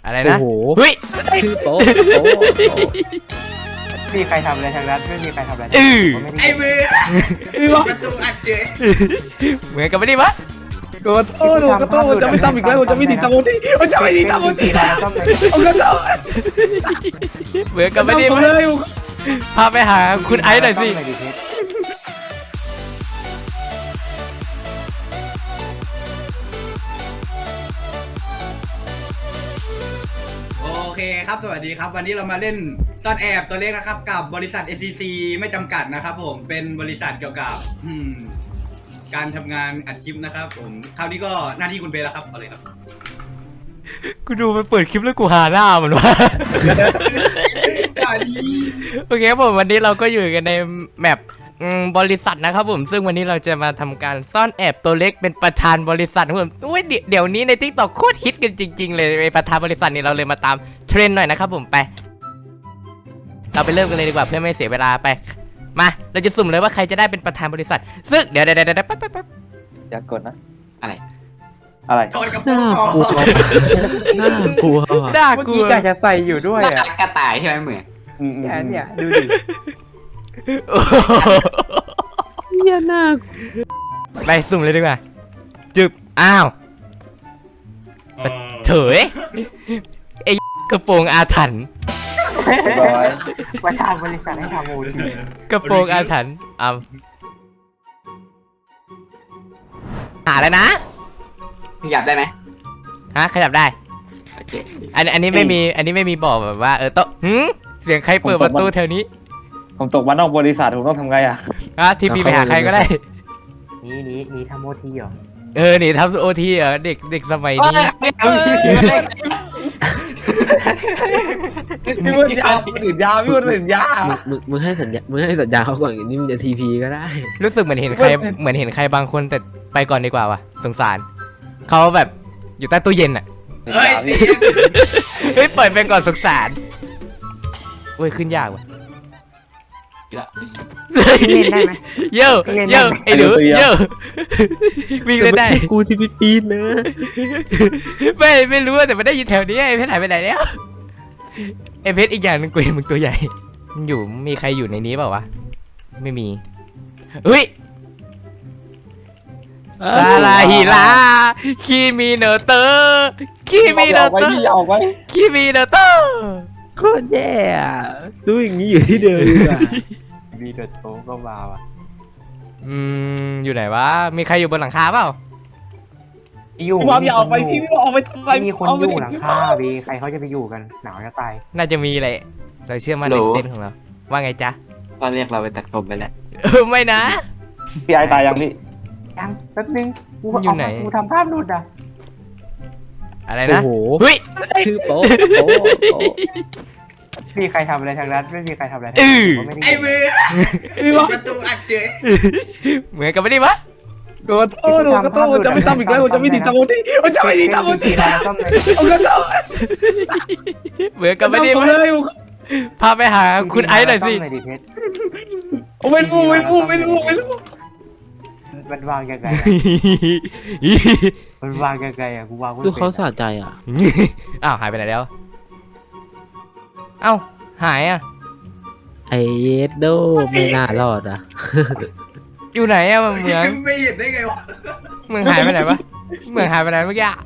อะไรนะโอ้โหเฮ้ยชื่อโป๊ะไม่มีใครทำอะไรทางนั้นไม่มีใครทำอะไรไอ้มือประตูอัดเฉยเหมือนกันไม่ได้ปะโกโต้โกโต้จะไม่ทำอีกแล้วจะไม่ติดตามโมทีจะไม่ติดตามโมทีนะโอ้โหเหมือนกันไม่ได้ผมปะเลยพาไปหาคุณไอซ์หน่อยสิโอเคครับสวัสดีครับวันนี้เรามาเล่นซ่อนแอบตัวเลขนะครับกับบริษัท NTC ไม่จำกัดนะครับผมเป็นบริษัทเกี่ยวกับการทำงานอัดคลิปนะครับผมคราวนี้ก็หน้าที่คุณเบลแล้วครับเอาเลยครับกูดูมันเปิดคลิปแล้วกูหาหน้ามันวะอย่าดีโอเคครับผมวันนี้เราก็อยู่กันในแมปบริษัทนะครับผมซึ่งวันนี้เราจะมาทำการซ่อนแอบตัวเล็กเป็นประธานบริษัทครับผมอุ้ยเดี๋ยวนี้ใน TikTok โคตรฮิตกันจริงๆเลยไอ้ประธานบริษัทนี่เราเลยมาตามเทรนด์หน่อยนะครับผมไปเราไปเริ่มกันเลยดีกว่าเพื่อไม่เสียเวลาไปมาเราจะสุ่มเลยว่าใครจะได้เป็นประธานบริษัทซึ่งเดี๋ยวแป๊บอย่ากดนะอะไรถอดกระโปรงน่ากลัวด่าเมื่อกูกี้กะจะใส่อยู่ด้วยอ่ะกระต่ายใช่ไหมเหมือนเนี่ยดูดิเหี้ยน่าไปสุ่มเลยดีกว่าจึบอ้าวเถยไอ้กระโปรงอาถรรพ์ประธานบริษัทให้ทำโอทีกระโปรงอาถรรพ์หาแล้วนะขยับได้ไหมฮะขยับได้โอเคอันนี้ไม่มีบอกแบบว่าโต๊ะเสียงใครเปิดประตูแถวนี้ผมตกมานอกบริษัทผมต้องทำไงอ่ะทีพีไปหาใครก็ได้นี่ทำโอทีเหรอหนีทำโอทีเหรอเด็กสมัยนี้พี่พูดยาวพี่อื่นยาวพี่พูดอื่นยาวมึงให้สัญญาเขาก่อนนี่มึงจะทีพีก็ได้รู้สึกเหมือนเห็นใครบางคนแต่ไปก่อนดีกว่าว่ะสงสารเขาแบบอยู่ใต้ตู้เย็นอ่ะเฮ้ยเฮ้ยปล่อยไปก่อนสงสารเว้ยขึ้นยากว่ะเล่นได้ไหมเย่ไอ้หนูเย่วิ่งเล่นได้กูที่ปีนนะไม่รู้แต่มันได้ยินแถวนี้ไอ้เพชรหายไปไหนแล้วไอ้เพชรอีกอย่างนึงกูเห็นมึงตัวใหญ่อยู่มีใครอยู่ในนี้เปล่าวะไม่มีเฮ้ยซาลาฮิลาคิมิโนโตะคิมิโนโตะออกไว้คิมิโนโตะโคตรแย่อะดูอย่างนี้อยู่ที่เดิมดีกว่าวีเดอร์โตก็มาว่ะอยู่ไหนวะมีใครอยู่บนหลังคาเปล่าอยู่พี่บอมอย่าออกไปพี่พี่บอมออกไปทำไมมีคนอยู่หลังคาวีใครเขาจะไปอยู่กันหนาวจะตายน่าจะมีแหละเราเชื่อมั่นในเซนส์ของเราว่าไงจ๊ะตอนเรียกเราไปตัดผมไปแล้วไม่นะพี่ไอตายยังพี่ยังแป๊บนึงกูอยู่ไหนกูทำภาพหลุดอ่ะอะไรโอ้นะโหเฮ้ยชื่อโป๊ะไม่มีใครทำอะไรทางนั้นไม่มีใครทำอะไรทางอื้อนั้นไม่ได้ไอ้มือประตูอัดเฉยเหมือนกันไม่ได้ปะโกโต้จะไม่ทำอีกแล้วจะไม่ติดตามโมทีจะไม่ติดตามโมทีนะซ่อมเลยโอ้โหเหมือนกันไม่ได้ผมปะเลยพาไปหาคุณไอซ์หน่อยสิซ่มดิเพชรไม่รู้มันวางยังไงมันวางยังไงอ่ะกูวางไม่ดูเป็นเขาสะใจอ่ะอ้าวหายไปไหนแล้วเอ้าหายอ่ะไอเยดโดไม่น่ารอดอ่ะอยู่ไหนอ่ะเหมืองไม่เห็นได้ไงวะเหมืองหายไปไหนวะเหมืองหายไปไหนเมื่อกี้อะ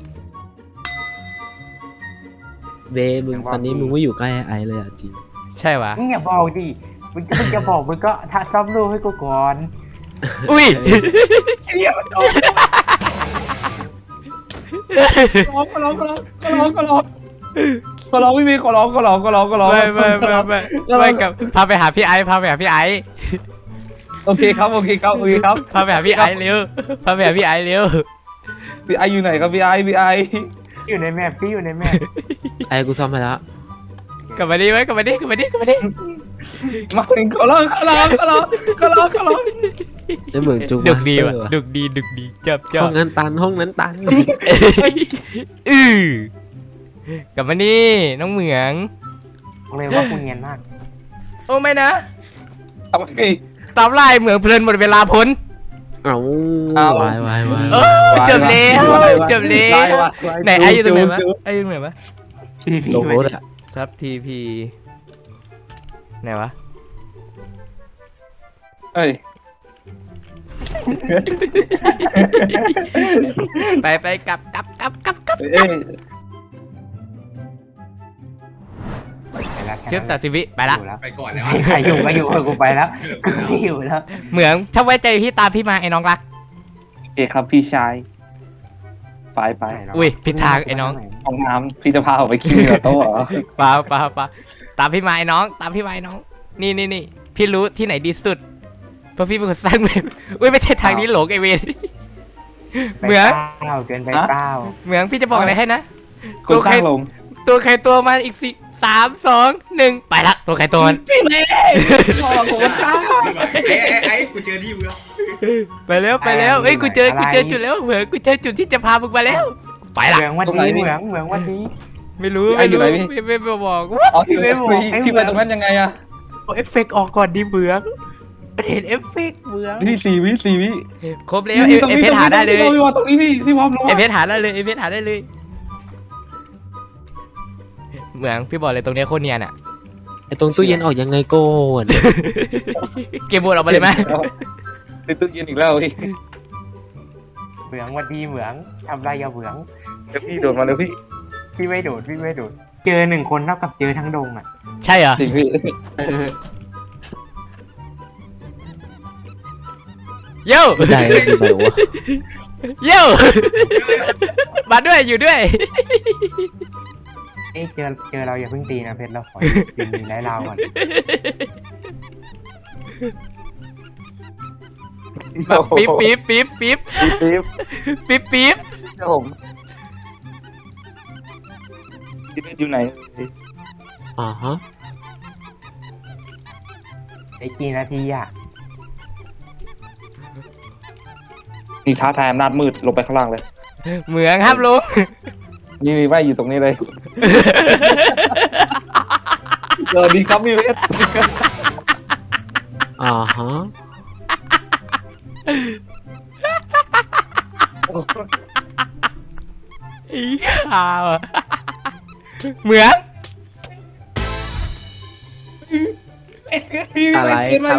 เบมึงตอนนี้มึงไม่อยู่ใกล้ไอเลยอ่ะจริงใช่วะมึงอย่าบอกดิมึงจะบอกมึงก็ทักซ่อมรูปให้กูก่อนอุ้ยก็ร้องไม่มีก็ร้องไม่กับพาไปหาพี่ไอซ์โอเคครับพาไปหาพี่ไอซ์เร็วพาไปหาพี่ไอซ์เร็วพี่ไออยู่ไหนครับพี่ไออยู่ในแมปพี่อยู่ในแมปไอกูซ่อมไปแล้วกลับมาดิไว้กลับมาดิมาถึงก็ร้องแล้วเหมือนจุกดุกดีมาสเตอว่ะร์ดุกดีจับห้องนั้นตันกลับมานี่น้องเหมืองบอกเลยว่ากูเนียนมากโอ้ไม่นะเอาไปตามไล่เหมืองเพลินหมดเวลาพ้นเอาวายเออจบแล้วไหนไออยู่ตรงไหนวะไออยู่ตรงไหนวะลงรถอะทับทีพีไหนวะเอ้ยไปกลับเอ้ยไปแล้วเชื่อ30 วิไปละอยู่แล้วไปก่อนแล้วใครอยู่ก็อยู่กูไปแล้วกูไม่อยู่แล้วเหมืองถ้าไว้ใจพี่ตามพี่มาไอ้น้องรักโอเคครับพี่ชายไปอุ้ยผิดทางไอ้น้องห้องน้ำพี่จะพาผมไปขี้เหรอโต๊ะเหรอปาตามพี่มาไอ้น้อง ตามพี่มาไอ้น้อง นี่พี่รู้ที่ไหนดีสุดเพราะพี่เป็นคนสร้างเมืองอุ้ยไม่ใช่ทางนี้หลงไอเวนเหมืองเก้าเกินไปเก้าเหมืองพี่จะบอกอะไรให้นะคุณสร้างลงตัวใครตัวมันอีก3 2 1ไปละตัวใครตัวมันพี่เมย์พ่อผมมาฆ่าไอ้กูเจอที่เมืองไปแล้วเอ้ยกูเจอจุดแล้วเหมืองกูเจอจุดที่จะพามึงมาแล้วไปละเหมืองวันนี้เหมืองวันนี้ไม่รู้ไม่บอกอ๋อพี่ไปตรงนั้นยังไงอะเอาเอฟเฟกต์ออกก่อนดิเหมืองเห็นเอฟเฟกต์เหมืองพี่4 วิครบแล้วเอเพชรหาได้เลยพี่วางตรงนี้พี่วางลงเอเพชรหาได้เลยเหมืองพี่บอกเลยตรงเนี้ยโคตรเนียนอ่ะไอตรงตู้เย็นออกยังไงก่อนเกมบอลออกมาเลยไหมในตู้เย็นอีกแล้วพี่เหมืองวันดีเหมืองทำไรอย่าเหมืองเดี๋ยวพี่โดดมาเลยพี่พี่ไม่โดดเจอ1 คนเท่ากับเจอทั้งดงอ่ะใช่เหรอจริงพี่โย่ไม่ได้เลยไปวะโย่มาด้วยอยู่ด้วยเอ้ยเจอเราอย่าเพิ่งตีนะเพชรเราขอยิงไล่เราก่อนแบบปี๊บปิ๊บเชื่อผมพี่อยู่ไหนอ่าฮะไอ้กี่นาทีอ่ะนี่ท้าทายอำนาจมืดลงไปข้างล่างเลยเหมืองครับลุงนี่ไม่อยู่ตรงนี้เลยสวัสดีครับพี่เพชรอ่าฮะอีห่าวอะเหมืองอะไร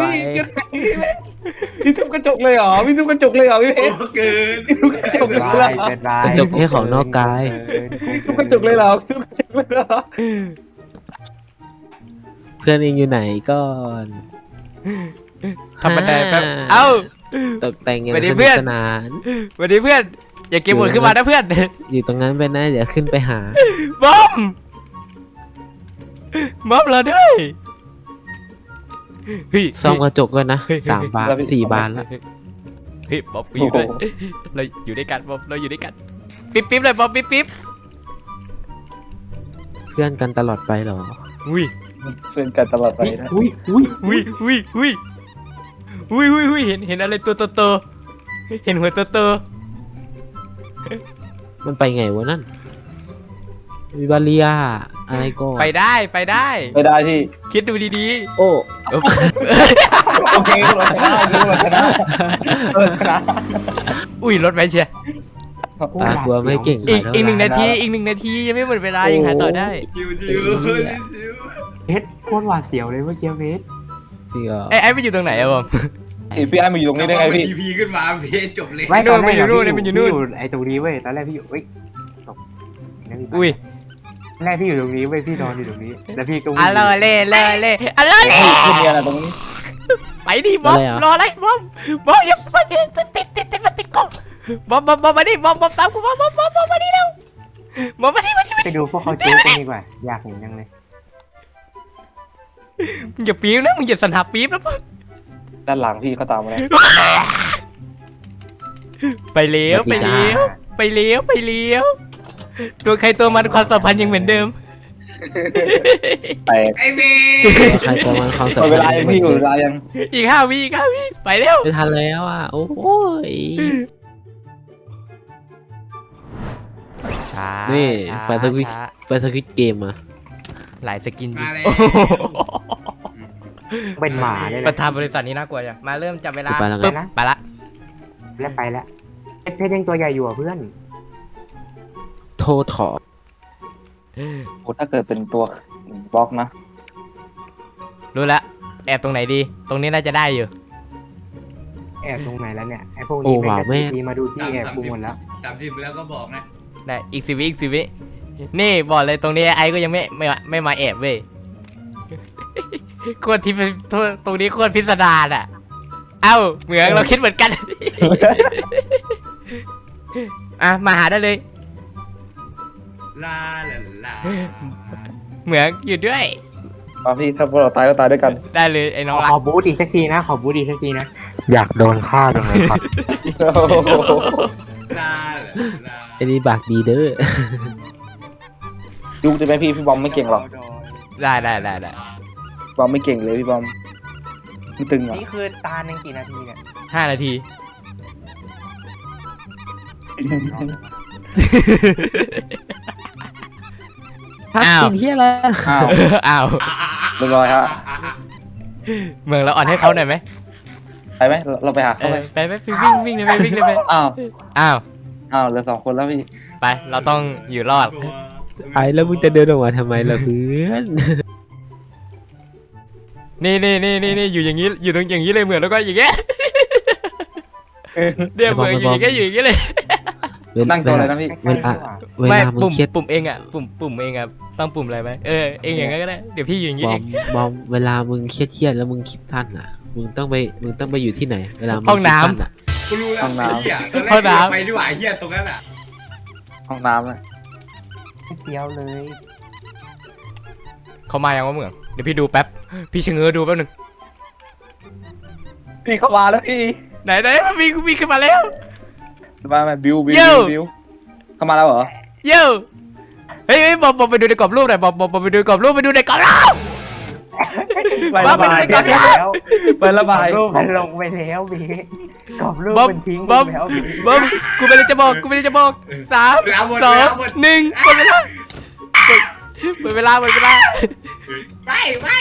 พี่ทุบกระจกเลยเหรอพี่ทุบกระจกเลยเหรอพี่เพโอ้ชรเกินพี่ทุบกระจกเลยเหรอเกินไปกระจกแค่ของนอกกายพี่ทุบกระจกเลยเหรอพี่ทุบกระจกเลยเหรอเพื่อนเองอยู่ไหนก่อนทำบันไดแป๊บเอ้าตกแต่งอย่างสวัสดีสเพื่นุอก นสนานสวัสดีเพื่อน อย่าเก็บหมดขึ้นมานะเพื่อนอยู่ตรงนั้นไปนะเดี๋ยวขึ้นไปหาบอมเราด้วยเฮ้ยซ่อมกระจกก่อนนะ3 บาน 4 บานแล้วเฮ้ยบอมอยู่ด้วยเราอยู่ด้วยกันบอมเราอยู่ด้วยกันปิ๊บเลยบอมปิ๊บเพื่อนกันตลอดไปเหรออุ้ยเพื่อนกันตลอดไปนะอุ้ยเห็นอะไรตัวโตเห็นหัวโตมันไปไงวะนั่นวิบาเลียอะไรก่อนไปได้ไม่ได้ที่คิดดูดีโอ้ๆเออโอเคเราชนะเราชนะอุ้ยรถไปเชียร์ตากลัวไม่เก่งอีก1 นาทียังไม่หมดเวลายังหาต่อได้ชิวเพชรโคตรหวาดเสียวเลยเมื่อกี้เพชรจริงเหรอไอ้ไปอยู่ตรงไหนอะบอมพี่ไอ้มาอยู่ตรงนี้ได้ไงพี่ทีพีขึ้นมาเพจจบเลยไม่ตอนแรกมันอยู่นู่นมันอยู่นู่นพี่ไอ้ตรงนี้เว้ยตอนแรกพี่อยู่ตกอุ้ยแรกพี่อยู่ตรงนี้เว้ยพี่นอนอยู่ตรงนี้แล้วพี่ก็วิ่งอะเลเล่อะเลเล่พี่มีอะไรตรงนี้ไปดิบอมรออะไรบอมอย่ามาติดกล้องบอมมาดิบอมตามกูบอมมาดิเร็วบอมมาดิไปดูพวกเขาจู๊กันดีกว่าอยากเห็นจังเลยมึงอย่าปี๊บนะมึงอย่าสันหาปี๊บนะด้านหลังพี่เขาตามมาแล้วไปเลี้ยวตัวใครตัวมันความสัมพันธ์ยังเหมือนเดิมแตกไอ้เมใครจะมาความสัมหมพัดนเวธ์ลายังพี่อยู่เวลายังอีก5 วิไปเร็วไม่ทันแล้วอ่ะโอ้ยช้านี่ไปสควิตเกมมาหลายสกินมาแล้วเป็นหมาเลยประธานบริษัทนี้น่ากลัวจังมาเริ่มจับเวลาไปแล้วไงปึ๊บไปละแล้วไปแล้วเพชรยังตัวใหญ่อยู่อ่ะเพื่อนโทษขอโอ้ถ้าเกิดเป็นตัวบล็อกนะรู้ละแอบตรงไหนดี ตรงนี้น่าจะได้อยู่แอบตรงไหนแล้วเนี่ยไอ้พวกนี้เป็นกระสีมาดูที่แอบกูหมดแล้ว 30แล้วก็บอกนะได้อีก10 วิอีก10 วินี่บอกเลยตรงนี้ไอ้ก็ยังไม่มาแอบเว้ยโคตรที่ตรงนี้โคตรพิสดารอ่ะ เอ้าเหมือนเราคิดเหมือนกัน อ่ะมาหาได้เลยลาลาลาเหมือนอยู่ด้วยมาพี่ถ้าพวกเราตายก็ตายด้วยกันได้เลยไอ้น้องรัขกอบูทอีกสักทีนะ ขอบูทอีกสักทีนะ อยากโดนฆ่าจังเลยครับลาลาไอ้นี่บากดีเด้อยุคจะไหมพี่บอมไม่เก่งหรอกได้บอมไม่เก่งเลยพี่บอมมันตึงอ่ะนี่คือตาหนึ่งกี่นาทีเนี่ย 5 นาทีพักอ้าวกินเฮียอะไรอ้าวอ้าวเรียบร้อยฮะเมืองเราอ่อนให้เขาหน่อยไหมไปไหมเราไปหาเอเขาไหมอไปวิ่งเลยไปวิ่งเลยไปอ้าวอ้าวเหลือ2 คนแล้วพี่ไปเราต้องอยู่รอดไอ้แล้วมึงจะเดินออกมาทำไมล่ะเพื่อนนี่อยู่อย่างนี้อยู่ตรงอย่างนี้เลยเหมือนแล้วก็อย่างเงี้ยเดี๋ยวเหมือนอยู่อย่างเงี้ยอยู่อย่างเงี้ยเลยนั่งตัวอะไรนะพี่เวลาเวไม่ลามึงปุ่มเครียดปุ่มเองอ่ะปุ่มเองอ่ะต้องปุ่มอะไรไหมเองอย่างนั้นก็ได้เดี๋ยวพี่อยู่อย่างบงี้อเอมงบอมเวลามึงเครียดแล้วมึงคิดสั้นอ่ะ มึงต้องไปอยู่ที่ไหน เวลามึงห้องน้ำคิดสั้อ่ะกูรู้แล้วห้องน้ำไอ้เหี้ยตอนแรกกูไปดีกว่าไอ้เหี้ยตรงนั้นอ่ะห้องน้ำเลยเดียวเลยเขามายังว่าเหมือนเดี๋ยวพี่ดูแป๊บพี่ชะเง้อดูแป๊บหนึงพี่เข้ามาแล้วพี่ไหนมันมีขึ้นมาแล้วมาบิวเย้เข้ามาแล้วเหรอเย้เฮ้ยบอมไปดูในกรอบรูปหน่อยบอมไปดูในกรอบรูปไปดูในกรอบรูปไประบายไปแล้วไประบายรูปมันลงไปแล้วบีกรอบรูปบอมมันทิ้งบอมไปแล้วบีบอมกูไม่ได้จะบอก3 2 1หมดเวลาหมดเวลาไม่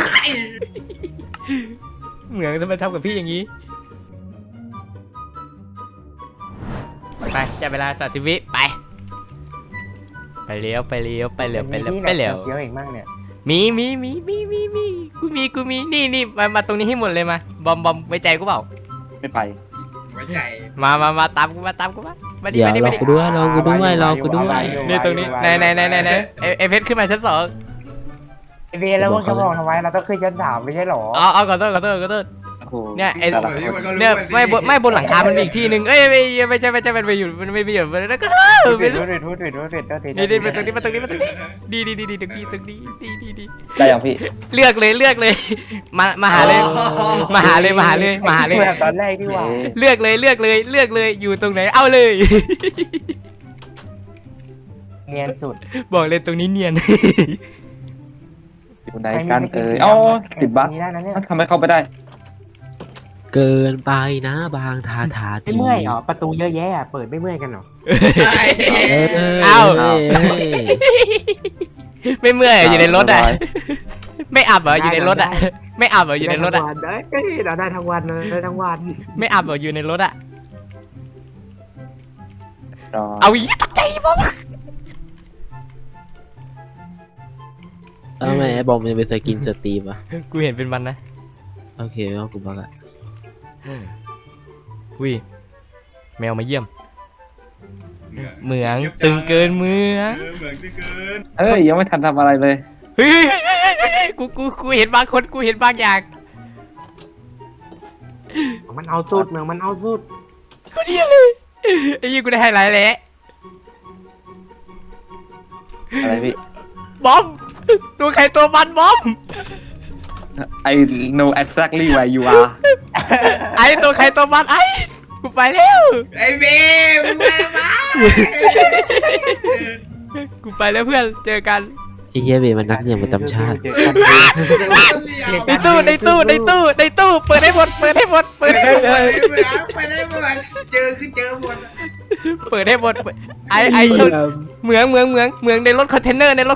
เหมือนทำไมทำกับพี่อย่างนี้ไปจับเวลา30 วิไปเลี้ยวไปเร็วเดี๋ยวเองมั่งเนี่ยมีกูมีนี่มาตรงนี้ให้หมดเลยมาบอมไว้ใจกูเปล่าไม่ไปไว้ใจมาตามกูมาดิเดี๋ยวมาดิรอมาดิกูด้วยรอกูด้วยนี่ตรงนี้ไหนไอเพชรขึ้นมาชั้น 2 ไอเบแล้วมึงจะบอกทำไมเราต้องขึ้นชั้น3ไม่ใช่หรอเอาขอโทษโอ้โหเนี่ยไอ้แต่ละคนเนี่ยไม่บนหลังคามันมีอีกที่หนึ่งไม่ใช่มันไปอยู่แล้วก็ไปดูดินี่มาตรงนี้ดีตรงนี้ดีได้ยังพี่เลือกเลยมาหาเลยแบบตอนแรกดีกว่าเลือกเลยอยู่ตรงไหนเอาเลยเนียนสุดบอกเลยตรงนี้เนียนอยู่ไหนกันติดบั๊กนี่ได้นะเนี่ยทำไมเข้าไปได้เกินไปนะบางทาทีไม่เมื่อยเหรอประตูเยอะแยะเปิดไม่เมื่อยกันหรอไม่เมื่อยอยู่ในรถอ่ะไม่อับเหรออยู่ในรถอ่ะไม่อับเหรออยู่ในรถอ่ะเราได้ทั้งวันเลยได้ทั้งวันไม่อับเหรออยู่ในรถอ่ะรอเอาอีตกใจผมทำไมไอ้บอมมันเป็นสกินสตรีมอ่ะกูเห็นเป็นมันนะโอเคเอากูบักอ่ะอุ้ยแมวมาเยี่ยมเหมืองตึงเกินเมืองเหมือนเกินยังไม่ทันทำอะไรเลยเฮ้ยกูเห็นบางคนกูเห็นบางอย่างมันเอาสุดเมืองมันเอาสุดกูเดียเลยไอ้ยี่กูได้ไฮไลท์แล้วอะไรพี่บอมตัวใครตัวมันบอม I know exactly where you are ไอ้ตัวใครตัวมันไอ้กูไปแล้วไอ้เบมึงมากูไปแล้วเพื่อนเจอกันไอ้เฮียเบมันนักเรียนประจำชาติในตู้เปิดให้หมดเปิดให้หมดไปได้หมดเจอคือเจอหมดเปิดให้หมดไอ้ชนเหมืองในรถคอนเทนเนอร์ในรถ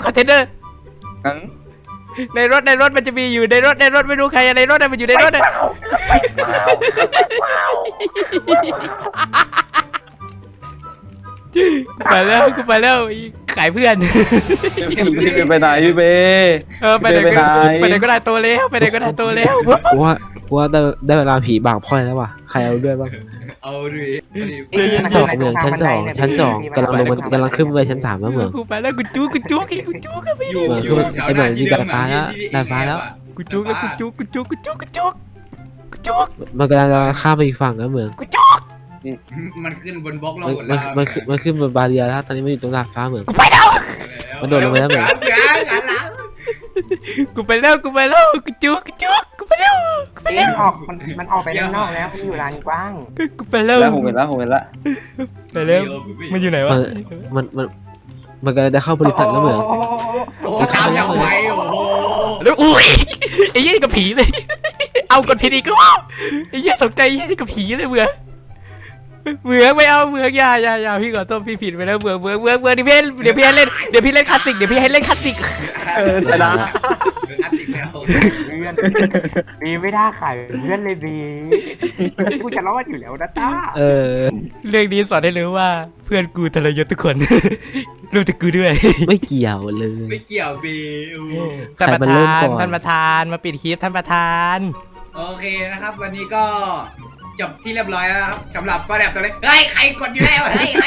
มันจะมีอยู่ในรถไม่รู้ใครในรถมันอยู่ในรถกูไปแล้วขายเพื่อนพี่เบไปไหนพี่เบไปไหนก็ได้โตแล้วไปไหนก็ได้โตแล้วกูว่าได้เวลาผีบากพ่อยแล้วว่ะใครเอาด้วยบ้างเอาดิชั้นสองเหมืองชั้นสองกำลังขึ้นไปชั้น 3แล้วเหมืองกูไปแล้วกูจุกกันไปอยู่ไอ้เหมือนมีดาดฟ้าแล้วดาดฟ้าแล้วกูจุกมันกำลังข้ามไปอีกฝั่งแล้วเหมืองมันขึ้นบนบล็อกเรามันหมดแล้วมันขึ้นบนบาเรียแล้วตอนนี้มันอยู่ตรงดาดฟ้าเหมืองกูไปแล้วมันโดดลงไปแล้วเหมือนกูไปแล้วกูจุกกูไปแล้วมันออกไปข้างนอกแล้วมันอยู่ลานกว้างกูไปแล้วแล้วผมเห็นแล้วไปแล้วมันอยู่ไหนวะมันกำลังจะเข้าบริษัทแล้วเหมืองโอ้ตามอย่างไวโอ้โหแล้วอุ้ยไอ้เหี้ยกับผีเลยเอากดผิดอีกก็ไอ้เหี้ยตกใจไอ้เหี้ยกับผีเลยเบื่อไม่เอาเบื่ออย่าพี่ขอโทษพี่ผิดไปแล้วเบื่อเดี๋ยวพี่ให้เล่นคลาสสิกชนะอัดติดแล้วเพื่อนบีไม่ได้ขายเพื่อนเลยบีกูจะรอดอยู่แล้วนะต้าเรื่องนี้สอนให้รู้ว่าเพื่อนกูทรยศทุกคนรวมถึงกูด้วยไม่เกี่ยวเลยไม่เกี่ยวบีท่านประธานมาปิดคลิปท่านประธานโอเคนะครับ วันนี้ก็จบที่เรียบร้อยแล้วนะครับสำหรับก็แบบตัวเล็กเฮ้ยใครกดอยู่แล้วเฮ้ย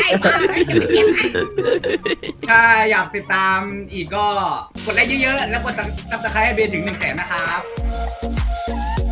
ถ้าอยากติดตามอีกก็กดไลค์เยอะๆแล้วกดซับสไครต์ให้เบนถึง100,000นะครับ